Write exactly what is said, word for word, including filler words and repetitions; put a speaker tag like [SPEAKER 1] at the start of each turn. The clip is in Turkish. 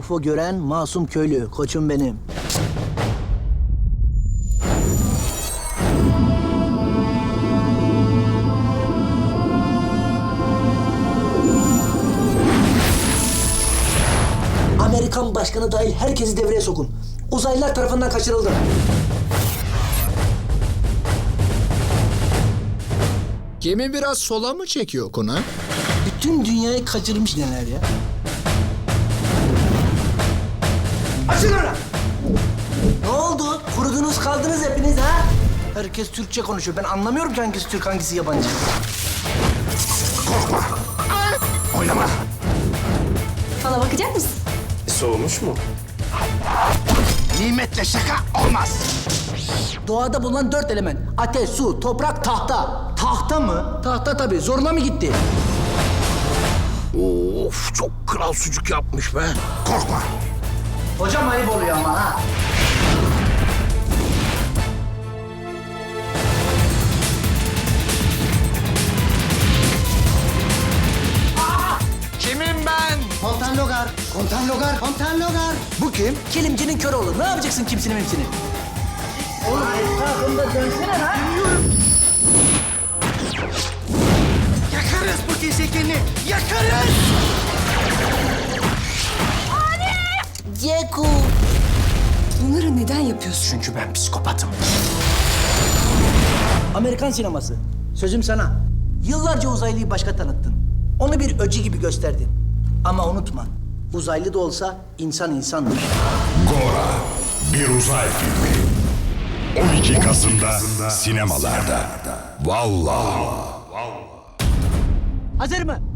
[SPEAKER 1] U F O gören masum köylü, koçum benim. Amerikan başkanı dahil herkesi devreye sokun. Uzaylılar tarafından kaçırıldı.
[SPEAKER 2] Gemi biraz sola mı çekiyor Kuna?
[SPEAKER 1] Bütün dünyayı kaçırmış neler ya.
[SPEAKER 3] Açın onu!
[SPEAKER 1] Ne oldu? Kurudunuz kaldınız hepiniz ha? Herkes Türkçe konuşuyor. Ben anlamıyorum ki hangisi Türk hangisi yabancı.
[SPEAKER 3] Korkma! Oynama!
[SPEAKER 4] Bana bakacak mısın?
[SPEAKER 3] Soğumuş mu? Nimetle şaka olmaz.
[SPEAKER 1] Doğada bulunan dört element. Ateş, su, toprak, tahta. Tahta mı? Tahta tabii. Zoruna mı gitti?
[SPEAKER 3] Of, çok kral sucuk yapmış be. Korkma!
[SPEAKER 1] Hocam ayıp oluyor ama ha.
[SPEAKER 3] Kimim ben?
[SPEAKER 1] Kontan Logar. Kontan Logar. Kontan Logar.
[SPEAKER 3] Bu kim?
[SPEAKER 1] Kilimcinin körü olur. Ne yapacaksın kimsinin hepsini? Oğlum etrafında dönsene lan.
[SPEAKER 3] Yakarız bu gezegeni! Yakarız!
[SPEAKER 1] Ceku.
[SPEAKER 4] Bunları neden yapıyorsun?
[SPEAKER 3] Çünkü ben psikopatım.
[SPEAKER 1] Amerikan sineması. Sözüm sana. Yıllarca uzaylıyı başka tanıttın. Onu bir öcü gibi gösterdin. Ama unutma. Uzaylı da olsa insan insandır.
[SPEAKER 5] Gora, bir uzay filmi. on iki Kasım'da sinemalarda. Vallahi.
[SPEAKER 1] Hazır mı?